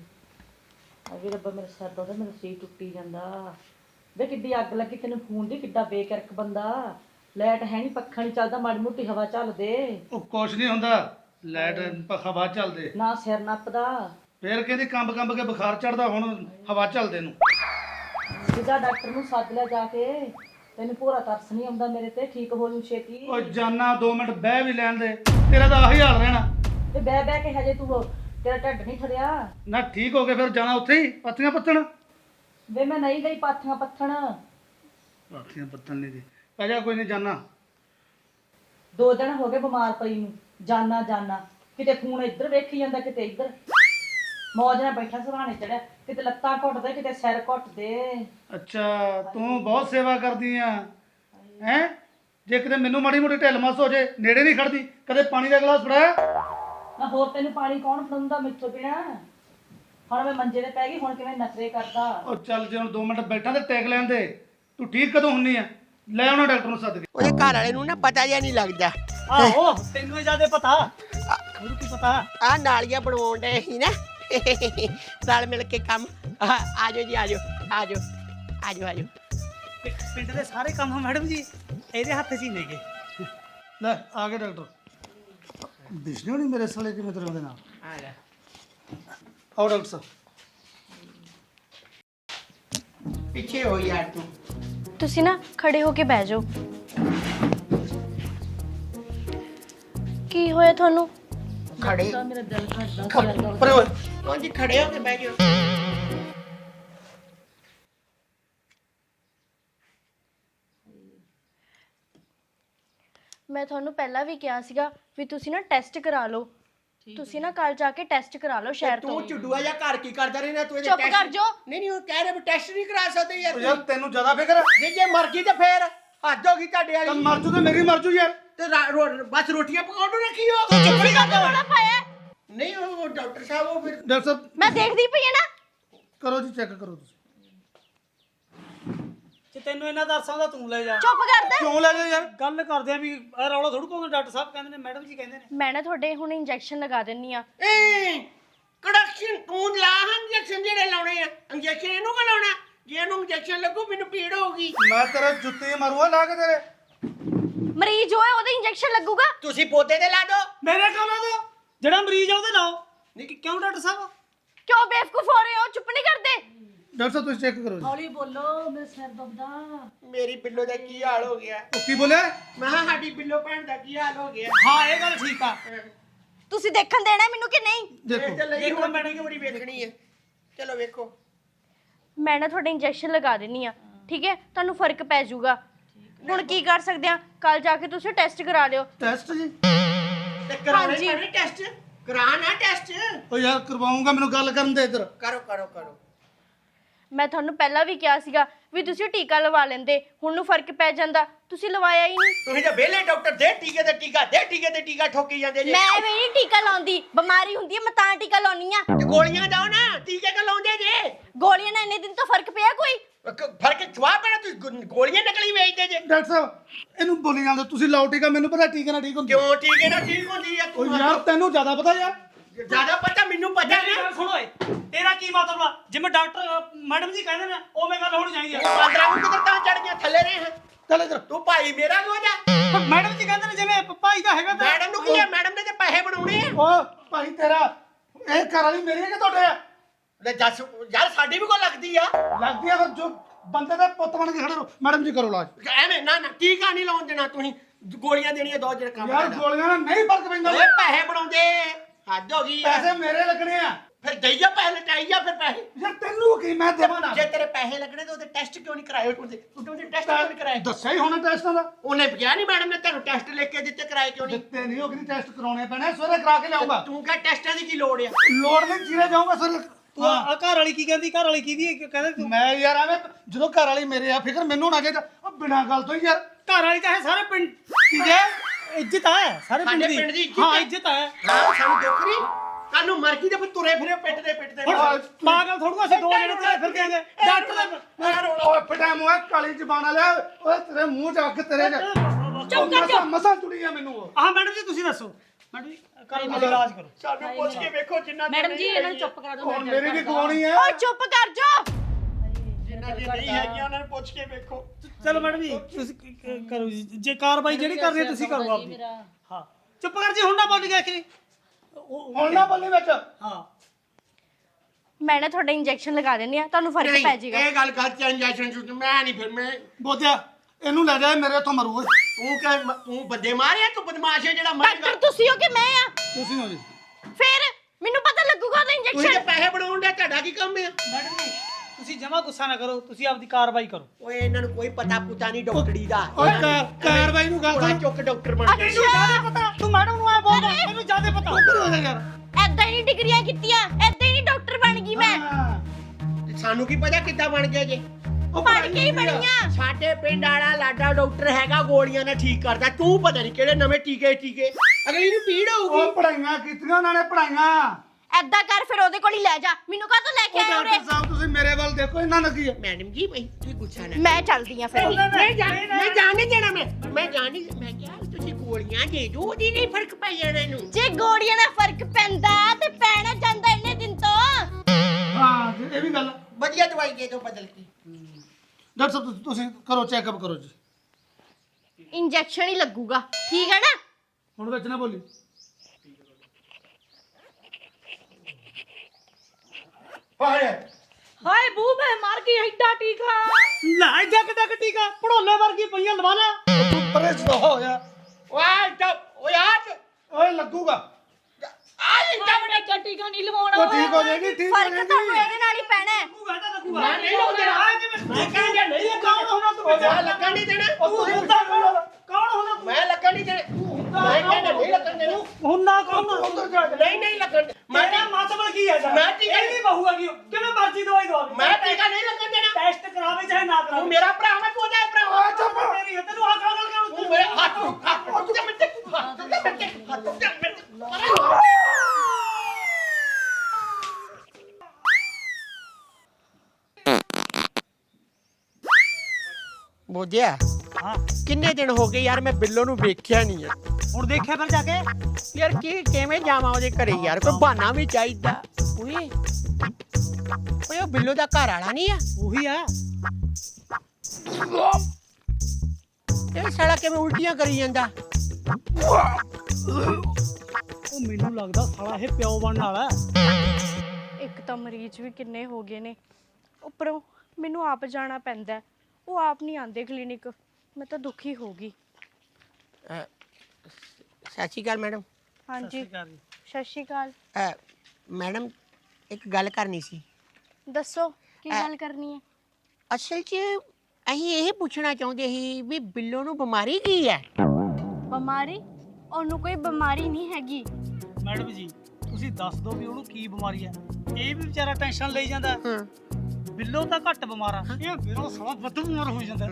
ਅਗੇ ਰੱਬਾ ਮੇਰੇ ਸਿਰ ਦਾ ਮੇਰਾ ਸੀਰ ਟੁੱਟੀ ਜਾਂਦਾ ਵੇ। ਕਿੱਡੀ ਅੱਗ ਲੱਗੀ ਤੈਨੂੰ ਫੋਨ ਦੀ, ਕਿੱਡਾ ਬੇਕਰਕ ਬੰਦਾ। ਲਾਈਟ ਹੈ ਨਹੀਂ, ਪੱਖਾ ਨਹੀਂ ਚੱਲਦਾ, ਮਾੜੀ ਮੋਟੀ ਹਵਾ ਚੱਲ ਦੇ।
ਉਹ ਕੁਛ ਨਹੀਂ ਹੁੰਦਾ, ਲਾਈਟ ਪੱਖਾ ਬਾਅਦ ਚੱਲਦੇ।
ਨਾ ਸਿਰ ਨੱਪਦਾ।
ਫੇਰ ਕਹਿੰਦੀ ਕੰਬ ਕੰਬ ਕੇ ਬੁਖਾਰ ਚੜਦਾ, ਹੁਣ ਹਵਾ ਚੱਲਦੇ ਨੂੰ।
ਜਿੱਦਾਂ ਡਾਕਟਰ ਨੂੰ ਸੱਦ ਲਿਆ ਜਾ ਕੇ, ਤੈਨੂੰ ਪੂਰਾ ਤਰਸ ਨਹੀਂ ਆਉਂਦਾ ਮੇਰੇ ਤੇ, ਠੀਕ ਹੋ ਜੂ ਛੇਤੀ।
ਉਹ ਜਾਨਾ ਦੋ ਮਿੰਟ ਬਹਿ ਵੀ ਲੈਣ ਦੇ, ਤੇਰਾ ਤਾਂ ਆਹੀ ਹਾਲ ਰਹਿਣਾ।
ਤੇ ਬਹਿ ਬਹਿ ਕੇ ਹਜੇ ਤੂੰ ਤੇਰਾ ਢੱਡ ਨਹੀਂ ਠਰਿਆ।
ਨਾ ਠੀਕ ਹੋ ਕੇ ਫਿਰ ਜਾਣਾ ਉੱਥੇ ਹੀ ਪੱਤੀਆਂ ਪੱਤਣ।
ਵੇ ਮੈਂ ਨਹੀਂ ਗਈ ਪਾਥੀਆਂ ਪੱਥਣ।
ਪਾਥੀਆਂ ਪੱਤਣ ਨਹੀਂ ਦੀ ਪੈ ਜਾ, ਕੋਈ ਨਹੀਂ ਜਾਨਾ।
ਦੋ ਦਿਨ ਹੋ ਗਏ ਬਿਮਾਰ ਪਈ ਨੂੰ, ਜਾਨਾ ਜਾਨਾ ਕਿਤੇ ਫੋਨ ਇੱਧਰ ਵੇਖੀ ਜਾਂਦਾ, ਕਿਤੇ ਇੱਧਰ। ਮੌਜ ਨਾਲ ਬੈਠਾ ਸਰਾਣੇ ਚੜਿਆ, ਕਿਤੇ ਲੱਤਾਂ ਘੁੱਟਦੇ, ਕਿਤੇ ਸਿਰ ਘੁੱਟਦੇ।
ਅੱਛਾ ਤੂੰ ਬਹੁਤ ਸੇਵਾ ਕਰਦੀ ਆ ਹੈ। ਜੇ ਕਿਤੇ ਮੈਨੂੰ ਮਾੜੀ ਮੋਟੀ ਢਿੱਲ ਮਸ ਹੋ ਜੇ, ਨੇੜੇ ਨਹੀਂ ਖੜਦੀ। ਕਦੇ ਪਾਣੀ ਦਾ ਗਲਾਸ ਫੜਾਇਆ?
ਨਾ ਹੋਰ ਤੈਨੂੰ ਪਾਣੀ ਕੌਣ ਫੜਾਉਂਦਾ ਮੈਥੋਂ ਬਿਨਾ? ਹੁਣ ਮੈਂ ਮੰਜੇ ਤੇ ਪੈ ਗਈ, ਹੁਣ ਕਿਵੇਂ ਨਖਰੇ ਕਰਦਾ।
ਉਹ ਚੱਲ ਜੇ ਹੁਣ ਦੋ ਮਿੰਟ ਬੈਠਾ ਤੇ ਟੈਕ ਲੈਣ ਦੇ। ਤੂੰ ਠੀਕ ਕਦੋਂ ਹੁੰਨੀ ਆ? ਲੈ ਆਉਣਾ ਡਾਕਟਰ ਨੂੰ ਸੱਦ ਕੇ।
ਉਹਦੇ ਘਰ ਵਾਲੇ ਨੂੰ ਨਾ ਪਤਾ ਜਿਹਾ ਨਹੀਂ ਲੱਗਦਾ।
ਆਹੋ ਤੈਨੂੰ ਹੀ ਜ਼ਿਆਦਾ ਪਤਾ, ਉਹਨੂੰ ਕੀ ਪਤਾ।
ਆ ਨਾਲੀਆਂ ਬਣਵਾਉਣ ਦੇ ਸੀ ਨਾ, ਨਾਲ ਮਿਲ ਕੇ ਕੰਮ। ਆ ਜਾਓ ਜੀ, ਆ ਜਾਓ ਆ ਜਾਓ ਆ ਜਾਓ ਆ ਜਾਓ।
ਪਿੰਡ ਦੇ ਸਾਰੇ ਕੰਮ ਮੈਡਮ ਜੀ ਇਹਦੇ ਹੱਥ 'ਚ ਹੀ ਨੇਗੇ। ਲੈ ਆ ਗਏ ਡਾਕਟਰ। ਦਿਸਦੇ ਨਹੀਂ ਮੇਰੇ ਸਾਲੇ ਕਿਵੇਂ ਤੇਰੇ ਉਹਦੇ ਨਾਲ।
ਆ ਲੈ
ਆਓ ਡਾਕਟਰ ਸਾਹਿਬ।
ਪਿੱਛੇ ਹੋ ਯਾਰ ਤੂੰ।
ਤੁਸੀਂ ਨਾ ਖੜੇ ਹੋ ਕੇ ਬਹਿ ਜਾਓ। ਕੀ ਹੋਇਆ ਤੁਹਾਨੂੰ?
ਖੜੇ
ਮੇਰਾ ਦਿਲ ਘਟਦਾ, ਸਿਰ ਦਰਦ।
ਪਰੇ ਓਏ।
ਕੌਣ ਜੀ ਖੜੇ ਹੋ ਕੇ ਬਹਿ ਜਾਓ।
ਮੈਂ ਤੁਹਾਨੂੰ ਪਹਿਲਾਂ ਵੀ ਕਿਹਾ ਸੀਗਾ ਵੀ ਤੁਸੀਂ ਨਾ ਟੈਸਟ ਕਰਾ ਲਓ। ਤੁਸੀਂ ਨਾ ਕੱਲ ਜਾ ਕੇ ਟੈਸਟ ਕਰਾ ਲਓ ਸ਼ਹਿਰ ਤੋਂ।
ਤੂੰ ਚੁੱਡੂਆ ਜਾਂ ਘਰ ਕੀ ਕਰਦਾ ਰਹਿਣਾ ਤੂੰ? ਇਹਦੇ
ਚੁੱਪ
test-
ਕਰ ਜਾਓ।
ਨਹੀਂ ਨਹੀਂ ਉਹ ਕਹਿ ਰਹੇ ਵੀ ਟੈਸਟ ਨਹੀਂ ਕਰਾ ਸਕਦੇ ਯਾਰ।
ਉਹ ਯਾਰ ਤੈਨੂੰ ਜ਼ਿਆਦਾ ਫਿਕਰ ਹੈ।
ਜੇ ਜੇ ਮਰ ਗਈ ਤੇ ਫੇਰ ਹੱਦ ਹੋ ਗਈ ਤੁਹਾਡੇ
ਤਾਂ
ਵਾਲੀ।
ਮਰ ਜੂ ਤੇ ਮੇਰੀ ਮਰ ਜੂ ਯਾਰ।
ਤੇ ਰਾ- ਰੋ- ਬਸ ਰੋਟੀਆਂ ਪਕਾਉਣ ਨੂੰ ਰੱਖੀ ਹੋ।
ਚੁੱਪ ਕਰ ਜਾਓ, ਬੜਾ ਪਾਇਆ।
ਨਹੀਂ ਉਹ ਉਹ ਡਾਕਟਰ ਸਾਹਿਬ ਉਹ ਫਿਰ
ਡਾਕਟਰ ਸਾਹਿਬ
ਮੈਂ ਦੇਖਦੀ ਪਈ ਆ ਨਾ।
ਕਰੋ ਜੀ, ਚੈੱਕ ਕਰੋ ਤੁਸੀਂ।
ਜੇ ਤੈਨੂੰ ਇਹਨਾਂ ਦਰਸਾਂ ਦਾ ਤੂੰ ਲੈ ਜਾ।
ਚੁੱਪ ਕਰ ਦੇ।
ਕਿਉਂ ਲੈ ਲਿਓ ਯਾਰ?
ਗੱਲ ਕਰਦੇ ਆ ਵੀ ਇਹ ਰੌਲਾ ਥੋੜੂ ਪਾਉਂਦੇ, ਡਾਕਟਰ ਸਾਹਿਬ ਕਹਿੰਦੇ ਨੇ, ਮੈਡਮ ਜੀ ਕਹਿੰਦੇ ਨੇ।
ਮੈਂ ਨਾ ਤੁਹਾਡੇ ਹੁਣ ਇੰਜੈਕਸ਼ਨ ਲਗਾ ਦਿੰਨੀ ਆ।
ਏ ਕੜਕਸ਼ਨ ਤੂੰ ਲਾ ਇੰਜੈਕਸ਼ਨ ਜਿਹੜੇ ਲਾਉਣੇ ਆ। ਇੰਜੈਕਸ਼ਨ ਇਹਨੂੰ ਕਾ ਲਾਉਣਾ? ਜੇ ਇਹਨੂੰ ਇੰਜੈਕਸ਼ਨ ਲੱਗੂ ਮੈਨੂੰ ਪੀੜ ਹੋਊਗੀ।
ਮੈਂ ਤੇਰੇ ਜੁੱਤੀ ਮਾਰੂਆ ਲਾ ਕੇ ਤੇਰੇ।
ਮਰੀਜ਼ ਹੋਏ ਉਹਦੇ ਇੰਜੈਕਸ਼ਨ ਲੱਗੂਗਾ।
ਤੁਸੀਂ ਪੌਦੇ ਤੇ ਲਾ ਦੋ।
ਮੇਰੇ ਕੋਲ ਦੋ ਜਿਹੜਾ ਮਰੀਜ਼ ਆ ਉਹਦੇ ਲਾਓ। ਨਹੀਂ ਕਿ ਕਿਉਂ ਡਾਕਟਰ ਸਾਹਿਬ?
ਕਿਉਂ ਬੇਵਕੂਫ ਹੋ ਰਹੇ ਹੋ? ਚੁੱਪ ਨਹੀਂ ਕਰਦੇ।
ਡਾਕਟਰ ਸਾਹਿਬ ਤੁਸੀਂ ਚੈੱਕ ਕਰੋ ਜੀ।
ਹੌਲੀ ਬੋਲੋ, ਮੇਰਾ ਸਿਰ ਦੁਖਦਾ।
ਮੇਰੀ ਬਿੱਲੋ ਦਾ ਕੀ ਹਾਲ ਹੋ ਗਿਆ?
ਉਹ ਕੀ ਬੋਲਿਆ?
ਮੈਂ ਕਿਹਾ ਸਾਡੀ ਬਿੱਲੋ ਭੈਣ ਦਾ ਕੀ ਹਾਲ ਹੋ ਗਿਆ?
ਹਾਂ ਇਹ ਗੱਲ ਠੀਕ ਆ।
ਤੁਸੀਂ ਦੇਖਣ ਦੇਣਾ ਮੈਨੂੰ ਕਿ ਨਹੀਂ?
ਦੇਖੋ
ਦੇਖੋ ਮੈਡਮ ਕੀ ਬੜੀ ਵੇਖਣੀ ਹੈ। ਚਲੋ ਵੇਖੋ।
ਮੈਂ ਨਾ ਤੁਹਾਡੇ ਇੰਜੈਕਸ਼ਨ ਲਗਾ ਦਿੰਨੀ ਆ, ਠੀਕ ਹੈ? ਤੁਹਾਨੂੰ ਫਰਕ ਪੈ ਜਾਊਗਾ। ਹੁਣ ਕੀ ਕਰ ਸਕਦੇ ਆ? ਕੱਲ ਜਾ ਕੇ ਤੁਸੀਂ ਟੈਸਟ ਕਰਾ ਲਿਓ।
ਟੈਸਟ ਜੀ?
ਤੇ ਕਰਾਉਣੇ
ਹਾਂਜੀ।
ਪੈਣੇ ਟੈਸਟ। ਕਰਾਣਾ ਟੈਸਟ।
ਉਹ ਯਾਰ ਕਰਵਾਉਂਗਾ, ਮੈਨੂੰ ਗੱਲ ਕਰਨ ਦੇ ਇੱਧਰ।
ਕਰੋ ਕਰੋ ਕਰੋ।
ਮੈਂ ਤੁਹਾਨੂੰ ਪਹਿਲਾਂ ਵੀ ਕਿਹਾ ਸੀਗਾ ਵੀ ਤੁਸੀਂ ਟੀਕਾ ਲਵਾ ਲੈਂਦੇ, ਹੁਣ ਨੂੰ ਫਰਕ ਪੈ ਜਾਂਦਾ। ਤੁਸੀਂ ਲਵਾਇਆ ਹੀ ਨਹੀਂ।
ਤੁਸੀਂ ਤਾਂ ਵਿਹਲੇ ਡਾਕਟਰ ਦੇ ਟੀਕੇ ਤੇ ਟੀਕਾ ਦੇ ਟੀਕੇ ਤੇ ਟੀਕਾ ਠੋਕੀ ਜਾਂਦੇ ਜੇ।
ਮੈਂ ਵੀ ਨਹੀਂ ਟੀਕਾ ਲਾਉਂਦੀ, ਬਿਮਾਰੀ ਹੁੰਦੀ ਹੈ ਮੈਂ ਤਾਂ ਟੀਕਾ ਲਾਉਣੀ ਆ।
ਤੇ ਗੋਲੀਆਂ ਦਿਓ ਨਾ, ਟੀਕੇ ਕਾ ਲਾਉਂਦੇ ਜੇ?
ਗੋਲੀਆਂ ਨਾਲ ਇੰਨੇ ਦਿਨ ਤੋਂ ਫਰਕ ਪਿਆ ਕੋਈ?
ਕ- ਫਰਕ ਚਵਾ ਪੈਣਾ। ਤੁਸੀਂ ਗੋ- ਗੋਲੀਆਂ ਨਕਲੀ ਵੇਚਦੇ ਜੇ।
ਡਾਕਟਰ ਸਾਹਿਬ ਇਹਨੂੰ ਬੋਲੀ ਜਾਂਦੇ, ਤੁਸੀਂ ਲਾਓ ਟੀਕਾ। ਮੈਨੂੰ ਪਤਾ ਟੀਕੇ ਨਾਲ ਠੀਕ ਹੁੰਦੀ।
ਕਿਉਂ ਟੀਕੇ ਨਾਲ ਠੀਕ ਹੁੰਦੀ ਆ?
ਉਹ
ਤੂੰ
ਯਾਰ ਤੈਨੂੰ ਜ਼ਿਆਦਾ ਪਤਾ ਯਾਰ।
ਜ਼ਿਆਦਾ ਪਤਾ ਮੈਨੂੰ ਪਤਾ
ਮੇਰੀ
ਨਾ।
ਗੱਲ ਸੁਣੋ ਏ, ਤੇਰਾ ਕੀ ਮਤਲਬ ਆ? ਜਿਵੇਂ ਡਾਕਟਰ ਮੈਡਮ ਜੀ ਕਹਿੰਦੇ ਨੇ ਉਵੇਂ ਗੱਲ ਹੋਣੀ ਚਾਹੀਦੀ ਆ।
ਬਾਂਦਰਾਂ ਨੂੰ ਕਿਧਰ ਤਾਂ ਚੜ ਗਿਆ ਥੱਲੇ ਰਹੇ ਹਾਂ।
ਚੱਲ ਇੱਧਰ।
ਤੂੰ ਭਾਈ ਮੇਰਾ ਹੋ ਜਾ।
ਪਰ ਮੈਡਮ ਜੀ ਕਹਿੰਦੇ ਨੇ ਜਿਵੇਂ ਭਾਈ ਦਾ ਹੈਗਾ ਤਾਂ
ਮੈਡਮ ਨੂੰ ਕੀ ਆ? ਮੈਡਮ ਨੇ ਤੇ ਪੈਸੇ ਬਣਾਉਣੇ ਆ।
ਓ ਭਾਈ ਤੇਰਾ ਇਹ ਘਰ ਵਾਲੀ ਮੇਰੀ ਹੈ ਕਿ ਤੁਹਾਡੇ ਆ?
ਲੈ ਦੱਸ ਯਾਰ, ਸਾਡੀ ਵੀ ਕੋਈ ਲੱਗਦੀ ਆ।
ਲੱਗਦੀ ਆ ਫਿਰ ਜੋ ਬੰਦੇ ਦਾ ਪੁੱਤ ਬਣ ਕੇ ਖੜੇ ਰਹੋ। ਮੈਡਮ ਜੀ ਕਰੋ ਇਲਾਜ।
ਐਵੇਂ ਨਾ ਨਾ ਟੀਕਾ ਨਹੀਂ ਲਾਉਣ ਦੇਣਾ। ਤੁਸੀਂ ਗੋਲੀਆਂ ਦੇਣੀਆਂ ਦੋ ਜਿਹੜੇ ਕੰਮ
ਯਾਰ
ਕਰਦਾ।
ਗੋਲੀਆਂ ਨਾਲ ਨਹੀਂ ਫਰਕ ਪੈਂਦਾ।
ਓਏ ਪੈਸੇ ਬਣਾਉਂਦੇ ਹੱਦ ਹੋ ਗਈ ਆ।
ਪੈਸੇ ਮੇਰੇ ਲੱਗਣੇ ਆ।
ਫਿਰ ਦਈਆ ਪੈਸੇ ਲਟਾਈਆ ਫਿਰ ਪੈਸੇ।
ਯਾਰ ਤੈਨੂੰ ਕੀ ਮੈਂ ਦੇਵਾਂ ਨਾ?
ਜੇ ਤੇਰੇ ਪੈਸੇ ਲੱਗਣੇ ਤਾਂ ਉਹਦੇ ਟੈਸਟ ਕਿਉਂ ਨਹੀਂ ਕਰਾਏ? ਉਹਦੇ ਉਹਦੇ ਟੈਸਟ ਕਿਉਂ ਨਹੀਂ ਕਰਾਏ?
ਦੱਸਿਆ ਹੀ ਹੋਣਾ ਟੈਸਟਾਂ ਦਾ।
ਉਹਨੇ ਕਿਹਾ ਨਹੀਂ ਮੈਡਮ ਨੇ ਤੁਹਾਨੂੰ ਟੈਸਟ ਲਿਖ ਕੇ ਦਿੱਤੇ, ਕਰਾਏ ਕਿਉਂ ਨਹੀਂ?
ਦਿੱਤੇ ਨਹੀਂ, ਉਹ ਟੈਸਟ ਕਰਾਉਣੇ ਪੈਣੇ। ਸਵੇਰੇ ਕਰਾ ਕੇ ਲਿਆਉਂਗਾ।
ਤੂੰ ਕਹ ਟੈਸਟਾਂ ਦੀ ਕੀ ਲੋੜ ਆ?
ਲੋੜ ਨਹੀਂ, ਚੀਰੇ ਜਾਊਂਗਾ ਸਵੇਰੇ।
ਤੂੰ ਆ ਘਰ ਵਾਲੀ ਕੀ ਕਹਿੰਦੀ? ਘਰ ਵਾਲੀ ਕੀ ਦੀ ਕਹਿੰਦੇ ਤੂੰ?
ਮੈਂ ਯਾਰ ਐਵੇਂ ਜਦੋਂ ਘਰ ਵਾਲੀ ਮੇਰੇ ਆ, ਫਿਕਰ ਮੈਨੂੰ ਨਾ ਚਾਹੀਦਾ। ਉਹ ਬਿਨਾਂ ਗੱਲ ਤੋਂ ਹੀ ਯਾਰ।
ਘਰ ਵਾਲੀ ਤਾਂ ਹੈ ਸਾਰੇ ਪਿੰਡ
ਠੀਕ ਹੈ।
ਇੱਜ਼ਤ ਹੈ ਸਾਰੇ
ਸਾਡੇ
ਪਿੰਡ
ਪਿੰਡ ਦੀ
ਦੀ।
ਇੱਜ਼ਤ
ਹਾਂ
ਹੈ।
ਇੱਜ਼ਤ ਹੈ।
ਹਾਂ ਸਾਨੂੰ ਦੁੱਖ ਨਹੀਂ। ਕੱਲ ਮਰਗੀ ਦੇ ਫਿਰ ਤੁਰੇ ਫਿਰੇ ਪਿੱਟਦੇ ਪਿੱਟਦੇ।
ਹੁਣ ਪਾਗਲ ਥੋੜੂ ਅਸੀਂ ਦੋ ਜਣੇ ਤੇਰੇ ਫਿਰ ਕਹਿੰਦੇ ਡਾਕਟਰ ਦਾ
ਓਏ ਫਟਾ ਮੂੰਹ ਕਾਲੀ ਜ਼ਬਾਨ ਵਾਲਿਆ। ਓਏ ਤੇਰੇ ਮੂੰਹ 'ਚ ਅੱਗ ਤੇਰੇ 'ਚ।
ਚੁੱਪ ਕਰ ਜਾ।
ਮਸਾ ਚੁੜੀ ਆ ਮੈਨੂੰ ਉਹ।
ਆਹ ਮੈਡਮ ਜੀ ਤੁਸੀਂ ਦੱਸੋ। ਮੈਡਮ ਜੀ ਘਰ ਵਾਲੀ ਇਲਾਜ ਕਰੋ।
ਸਾਨੂੰ ਪੁੱਛ ਕੇ ਵੇਖੋ ਜਿੰਨਾ
ਮੈਡਮ ਜੀ ਇਹਨਾਂ ਨੂੰ ਚੁੱਪ ਕਰਾ ਦਿਓ।
ਹੁਣ ਮੇਰੀ ਵੀ ਗਵਾਉਣੀ ਹੈ।
ਓ ਚੁੱਪ ਕਰ ਜਾ।
ਜਿੰਨਾ ਦੀ ਨਹੀਂ ਹੈਗੀਆਂ ਉਹਨਾਂ ਨੂੰ ਪੁੱਛ ਕੇ ਵੇਖੋ।
ਚਲੋ ਮੈਡਮ ਜੀ ਤੁਸੀਂ ਕ- ਕ- ਕਰੋ ਜੀ ਜੇ ਕਾਰਵਾਈ ਜਿਹੜੀ ਕਰਨੀ ਹੈ ਤੁਸੀਂ ਕਰੋ ਆਪਦੀ। ਹਾਂ ਚੁੱਪ ਕਰ ਜੀ ਹੁਣ ਨਾ ਬੋਲ ਗਿਆ ਕਿ
ਹੁਣ ਨਾ ਬੋਲੀ ਵਿੱਚ।
ਹਾਂ
ਮੈਂ ਨਾ ਤੁਹਾਡਾ ਇੰਜੈਕਸ਼ਨ ਲਗਾ ਦਿੰਦੀ ਆ, ਤੁਹਾਨੂੰ ਫਰਕ
ਨਹੀਂ,
ਪੈ ਜਾਏਗਾ।
ਇਹ ਗੱਲ ਗਲਤ ਹੈ ਇੰਜੈਕਸ਼ਨ ਮੈਂ ਨਹੀਂ ਫਿਰ ਮੈਂ
ਬੋਧਿਆ ਇਹਨੂੰ ਲੈ ਜਾ ਮੇਰੇ ਤੋਂ ਮਰੂ ਓਏ।
ਤੂੰ ਕਹਿ ਤੂੰ ਬੰਦੇ ਮਾਰਿਆ ਤੂੰ ਬਦਮਾਸ਼ ਹੈ ਜਿਹੜਾ
ਡਾਕਟਰ
ਮਰੇਗਾ।
ਤੁਸੀਂ ਹੋ ਕਿ ਮੈਂ ਆ?
ਤੁਸੀਂ ਹੋ ਜੀ।
ਫਿਰ ਮੈਨੂੰ ਪਤਾ ਲੱਗੂਗਾ ਉਹਦਾ
ਤੁਸੀਂ ਤੇ
ਇੰਜੈਕਸ਼ਨ।
ਪੈਸੇ ਬਣਾਉਣ ਦਾ ਤੁਹਾਡਾ ਕੀ ਕੰਮ ਹੈ?
ਮੈਡਮ ਜੀ ਤੁਸੀਂ ਜਮਾ ਗੁੱਸਾ ਨਾ ਕਰੋ, ਤੁਸੀਂ ਆਪਦੀ ਕਾਰਵਾਈ ਕਰੋ।
ਓਏ ਇਹਨਾਂ ਨੂੰ ਕੋਈ ਪਤਾ ਪੁਤਾ ਨਹੀਂ ਡਾਕਟਰੀ ਦਾ।
ਓਏ ਕਾਰ- ਕਾਰਵਾਈ ਨੂੰ ਗੱਲ
ਥੋੜਾ
ਸੁਣ।
ਚੁੱਕ ਡਾਕਟਰ ਬਣ ਕੇ।
ਤੈਨੂੰ ਜ਼ਿਆਦਾ ਪਤਾ, ਤੂੰ ਮੈਡਮ ਨੂੰ ਐ ਬੋਲਦਾ, ਤੈਨੂੰ ਜ਼ਿਆਦਾ ਪਤਾ।
ਹੋ ਜਾ ਯਾਰ।
ਐਦਾਂ ਹੀ ਨਹੀਂ ਡਿਗਰੀਆਂ ਕੀਤੀਆਂ, ਐਦਾਂ ਹੀ ਨਹੀਂ ਡਾਕਟਰ ਬਣ ਗਈ ਮੈਂ।
ਸਾਨੂੰ ਕੀ ਪਤਾ ਕਿੱਦਾਂ ਬਣ ਗਏ ਜੇ?
ਉਹ
ਪੜ ਕੇ ਹੀ ਬਣੀਆਂ।
ਸਾਡੇ ਪਿੰਡ ਵਾਲਾ ਲਾਡਾ ਡਾਕਟਰ ਹੈਗਾ, ਗੋਲੀਆਂ ਨਾਲ ਠੀਕ ਕਰਦਾ। ਤੂੰ ਪਤਾ ਨਹੀਂ ਕਿਹੜੇ ਨਵੇਂ ਟੀਕੇ ਟੀਕੇ ਅਗਲੀ ਨੂੰ ਪੀੜ
ਉਹ
ਹੋਊਗੀ।
ਪੜਾਈਆਂ ਕੀਤੀਆਂ ਉਹਨਾਂ ਨੇ ਪੜਾਈਆਂ।
ਐਦਾਂ ਕਰ ਫਿਰ ਉਹਦੇ ਕੋਲ ਹੀ ਲੈ ਜਾ, ਮੈਨੂੰ ਕਾਹ ਤੋਂ ਲੈ ਕੇ
ਉਹ
ਆਏ ਉਰੇ?
ਡਾਕਟਰ ਸਾਹਿਬ ਤੁਸੀਂ ਮੇਰੇ ਵੱਲ ਦੇਖੋ ਇਹਨਾਂ ਲੱਗੀ ਹੈ।
ਮੈਡਮ ਜੀ ਬਈ ਤੁਸੀਂ ਗੁੱਸਾ ਨਾ
ਮੈਂ ਚੱਲਦੀ ਆ ਫਿਰ।
ਮੈਂ ਜਾਣ ਮੈਂ ਜਾਣ ਨਹੀਂ ਦੇਣਾ। ਮੈਂ ਮੈਂ ਜਾਣ ਨਹੀਂ ਮੈਂ ਕਿਹਾ ਤੁਸੀਂ ਗੋਲੀਆਂ ਦੇ ਦਿਓ, ਉਹਦੀ ਨਹੀਂ ਫਰਕ ਪੈ ਜਾਣਾ ਇਹਨੂੰ।
ਜੇ ਗੋੜੀਆਂ ਨਾਲ ਫਰਕ ਪੈਂਦਾ ਤੇ ਪੈਣਾ ਜਾਂਦਾ ਇੰਨੇ ਦਿਨ ਤੋਂ।
ਹਾਂ ਇਹ ਵੀ ਗੱਲ।
ਵਧੀਆ ਦਵਾਈ ਦੇ ਦਿਓ ਬਦਲ ਕੇ।
ਡਾਕਟਰ ਸਾਹਿਬ ਤੁਸੀਂ- ਤੁਸੀਂ ਕਰੋ ਚੈੱਕਅਪ ਕਰੋ ਜੀ।
ਇੰਜੈਕਸ਼ਨ ਹੀ ਲੱਗੂਗਾ, ਠੀਕ ਹੈ ਨਾ?
ਹੁਣ ਵਿੱਚ ਨਾ ਬੋਲੀ।
ਹਾਏ
ਹਾਏ ਬੂ ਮੈਂ ਮਰ ਗਈ ਐਡਾ ਟੀਕਾ।
ਲੈ ਜੱਗ ਜੱਗ ਟੀਕਾ ਪੜੋਲੇ ਵਰਗੀ ਪਈਆਂ ਲਵਾ ਲੈ।
ਤੂੰ ਪਰੇ ਸੋ ਹੋਇਆ।
ਓਏ ਟੱਪ ਓਏ ਆਜ
ਓਏ ਲੱਗੂਗਾ।
ਆਜ ਟੱਪ
ਐਡਾ ਟੀਕਾ ਨਹੀਂ ਲਵਾਉਣਾ।
ਉਹ ਠੀਕ ਹੋ ਜਾਏਗੀ ਠੀਕ ਹੋ
ਫਰਕ ਤੁਹਾਨੂੰ
ਜਾਏਗੀ।
ਇਹਦੇ ਨਾਲ ਹੀ ਪੈਣਾ ਹੈ।
ਲੱਗੂਗਾ ਤਾਂ ਲੱਗੂਗਾ।
ਮੈਂ ਨਹੀਂ ਲਾਉਂਦਾ। ਲੱਗਣ ਜਾਂ ਨਹੀਂ
ਕੌਣ ਹੋਣਾ ਤੂੰ?
ਮੈਂ ਲੱਗਣ ਨਹੀਂ ਦੇਣਾ।
ਤੂੰ ਹੁੰਦਾ ਕੌਣ? ਕੌਣ ਹੋਣਾ ਤੂੰ?
ਮੈਂ ਲੱਗਣ ਨਹੀਂ ਦੇਣਾ। ਮੈਂ ਕਹਿੰਦਾ ਨਹੀਂ ਲੱਗਣ ਦੇਣਾ।
ਹੁੰਦਾ ਕੌਣ?
ਉੱਧਰ ਜਾ ਕੇ।
ਨਹੀਂ ਨਹੀਂ ਲੱਗਣ ਦੇ- ਮੈਂ
ਮੇਰਾ ਮਤਲਬ ਕੀ ਹੈ ਯਾਰ?
ਮੈਂ ਟੀਕਾ-
ਇਹ ਵੀ ਬਹੂ ਹੈਗੀ, ਕਿਵੇਂ ਮਰਜ਼ੀ ਦਵਾਈ ਦਵਾ ਦੇ।
ਮੈਂ ਟੀਕਾ ਨਹੀਂ ਲੱਗਣ ਦੇਣਾ।
ਟੈਸਟ ਕਰਾਵੇ ਚਾਹੇ ਨਾ
ਤੂੰ
ਕਰਾਵੇ।
ਮੇਰਾ ਭਰਾ ਮੈਂ ਤੂੰ ਉਹਦਾ ਭਰਾ।
ਆ ਚੁੱਪ।
ਮੇਰੀ ਹੈ, ਤੈਨੂੰ ਹੱਥ ਨਾਲ ਕਿਉਂ?
ਤੂੰ ਮੇਰੇ ਹੱਥ ਨੂੰ ਹੱਥ ਨੂੰ ਤੇ ਮਿੱਟੇ ਹੱਥ ਤੇ ਮਿੱਟੇ ਹੱਥ ਤੇ ਮਿੱਟੇ। ਬੋਝਿਆ
ਹਾਂ
ਕਿੰਨੇ ਦਿਨ ਹੋ ਗਏ ਯਾਰ ਮੈਂ ਬਿੱਲੋ ਨੂੰ ਵੇਖਿਆ ਨਹੀਂ ਆ।
ਹੁਣ ਦੇਖਿਆ ਫਿਰ ਜਾ ਕੇ।
ਯਾਰ ਕੀ ਕਿਵੇਂ ਜਾਵਾਂ ਉਹਦੇ ਘਰੇ ਯਾਰ ਕੋਈ ਬਹਾਨਾ ਵੀ ਚਾਹੀਦਾ। ਓਏ ਓਏ ਉਹ ਬਿੱਲੋ ਦਾ ਘਰ ਵਾਲਾ ਨਹੀਂ ਆ?
ਉਹੀ ਆ।
ਇਹ ਸਾਲਾ ਕਿਵੇਂ ਉਲਟੀਆਂ ਕਰੀ ਜਾਂਦਾ?
ਉਹ ਮੈਨੂੰ ਲੱਗਦਾ ਸਾਲਾ ਇਹ ਪਿਓ ਬਣਨ ਵਾਲਾ।
ਇੱਕ ਤਾਂ ਮਰੀਜ਼ ਵੀ ਕਿੰਨੇ ਹੋ ਗਏ ਨੇ, ਉੱਪਰੋਂ ਮੈਨੂੰ ਆਪ ਜਾਣਾ ਪੈਂਦਾ ਹੈ। ਉਹ ਆਪ ਨਹੀਂ ਆਉਂਦੇ ਕਲੀਨਿਕ, ਮੈਂ ਤਾਂ ਦੁਖੀ ਹੋ ਗਈ।
ਸਤਿ ਸ਼੍ਰੀ ਅਕਾਲ ਮੈਡਮ।
ਹਾਂਜੀ ਸਤਿ ਸ਼੍ਰੀ ਅਕਾਲ।
ਅ, ਮੈਡਮ ਇੱਕ ਗੱਲ ਕਰਨੀ ਸੀ।
ਦੱਸੋ ਕੀ
ਅ-
ਗੱਲ ਕਰਨੀ ਹੈ?
ਅਸਲ 'ਚ ਅਸੀਂ ਇਹ ਪੁੱਛਣਾ ਚਾਹੁੰਦੇ ਸੀ ਵੀ ਬਿੱਲੋ ਨੂੰ ਬਿਮਾਰੀ ਕੀ ਹੈ?
ਬਿਮਾਰੀ? ਉਹਨੂੰ ਕੋਈ ਬਿਮਾਰੀ ਨਹੀਂ ਹੈਗੀ।
ਮੈਡਮ ਜੀ ਤੁਸੀਂ ਦੱਸ ਦਿਓ ਵੀ ਉਹਨੂੰ ਕੀ ਬਿਮਾਰੀ ਹੈ। ਇਹ ਵੀ ਵਿਚਾਰਾ ਟੈਨਸ਼ਨ ਲਈ ਜਾਂਦਾ।
ਹਾਂ
ਬਿੱਲੋ ਤਾਂ ਘੱਟ ਬਿਮਾਰ ਆ, ਇਹ ਮੇਰਾ ਸਾਲਾ ਵੱਧ ਬਿਮਾਰ ਹੋ ਜਾਂਦਾ।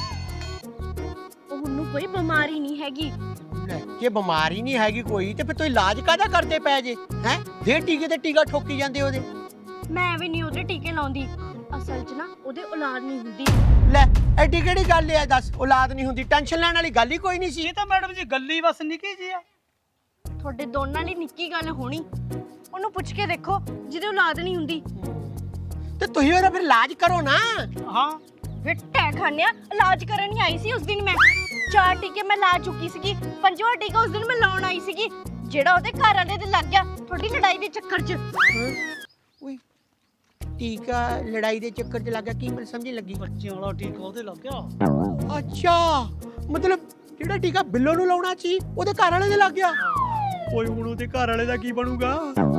ਉਹਨੂੰ ਕੋਈ ਬਿਮਾਰੀ ਨਹੀਂ ਹੈਗੀ।
ਲੈ, ਜੇ ਬਿਮਾਰੀ ਨਹੀਂ ਹੈਗੀ ਕੋਈ ਤੇ ਫਿਰ ਤੁਸੀਂ ਇਲਾਜ ਕਾਹਦਾ ਕਰਦੇ ਪਏ ਜੇ? ਹੈ ਦੇ ਟੀਕੇ ਤੇ ਟੀਕਾ ਠੋਕੀ ਜਾਂਦੇ ਉਹਦੇ।
ਮੈਂ ਵੀ ਨਹੀਂ ਉਹਦੇ ਟੀਕੇ ਲਾਉਂਦੀ। ਅਸਲ 'ਚ ਨਾ ਉਹਦੇ ਔਲਾਦ ਨਹੀਂ ਹੁੰਦੀ।
ਲੈ ਐਡੀ ਕਿਹੜੀ ਗੱਲ ਹੈ? ਦੱਸ ਔਲਾਦ ਨਹੀਂ ਹੁੰਦੀ, ਟੈਨਸ਼ਨ ਲੈਣ ਵਾਲੀ ਗੱਲ ਹੀ ਕੋਈ ਨਹੀਂ ਸੀ।
ਇਹ ਤਾਂ ਮੈਡਮ ਜੀ ਗੱਲੀ ਬਸ ਨਿੱਕੀ ਜੀ ਆ।
ਤੁਹਾਡੇ ਦੋਨਾਂ ਲਈ ਨਿੱਕੀ ਗੱਲ ਹੋਣੀ। ਉਹਨੂੰ ਪੁੱਛ ਕੇ ਦੇਖੋ ਜਿਹਦੇ ਔਲਾਦ ਨਹੀਂ ਹੁੰਦੀ।
ਤੇ ਤੁਸੀਂ ਉਹਦਾ ਫਿਰ ਇਲਾਜ ਕਰੋ ਨਾ।
ਹਾਂ
ਵਿੱਟਾ ਖਾਨਿਆ ਇਲਾਜ ਕਰਨ ਹੀ ਆਈ ਸੀ ਉਸ ਦਿਨ ਮੈਂ। ਚਾਰ ਟੀਕੇ ਮੈਂ ਲਾ ਚੁੱਕੀ ਸੀਗੀ, ਪੰਜਵਾਂ ਟੀਕਾ ਉਸ ਦਿਨ ਮੈਂ ਲਾਉਣ ਆਈ ਸੀਗੀ, ਜਿਹੜਾ ਉਹਦੇ ਘਰ ਵਾਲੇ ਦੇ ਲੱਗ ਗਿਆ ਤੁਹਾਡੀ ਲੜਾਈ ਦੇ ਚੱਕਰ 'ਚ।
ਓਏ ਟੀਕਾ ਲੜਾਈ ਦੇ ਚੱਕਰ 'ਚ ਲੱਗ ਗਿਆ? ਕੀ ਮੈਨੂੰ ਸਮਝ ਨਹੀਂ ਲੱਗੀ।
ਬੱਚਿਆਂ ਵਾਲਾ ਟੀਕਾ ਉਹਦੇ ਲੱਗ ਗਿਆ।
ਅੱਛਾ ਮਤਲਬ ਜਿਹੜਾ ਟੀਕਾ ਬਿੱਲੋ ਨੂੰ ਲਾਉਣਾ ਸੀ ਉਹਦੇ ਘਰ ਵਾਲੇ ਦੇ ਲੱਗ ਗਿਆ। ਓਏ ਹੁਣ ਉਹਦੇ ਘਰ ਵਾਲੇ ਦਾ ਕੀ ਬਣੂਗਾ?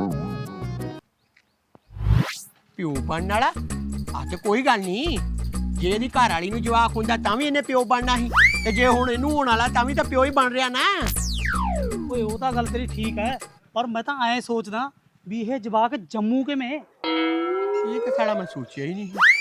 ਪਿਓ ਬਣਨ ਵਾਲਾ? ਆ ਤੇ ਕੋਈ ਗੱਲ ਨਹੀਂ, ਜੇ ਇਹਦੀ ਘਰ ਵਾਲੀ ਨੂੰ ਜਵਾਕ ਹੁੰਦਾ ਤਾਂ ਵੀ ਇਹਨੇ ਪਿਓ ਬਣਨਾ ਸੀ, ਤੇ ਜੇ ਹੁਣ ਇਹਨੂੰ ਹੋਣ ਵਾਲਾ ਤਾਂ ਵੀ ਤਾਂ ਪਿਓ ਹੀ ਬਣ ਰਿਹਾ ਨਾ।
ਓਏ ਉਹ ਤਾਂ ਗੱਲ ਤੇਰੀ ਠੀਕ ਹੈ, ਪਰ ਮੈਂ ਤਾਂ ਐਂ ਸੋਚਦਾ ਵੀ ਇਹ ਜਵਾਕ ਜੰਮੂ ਕਿਵੇਂ?
ਇਹ ਤਾਂ ਸਾਲਾ ਮੈਂ ਸੋਚਿਆ ਹੀ ਨਹੀਂ।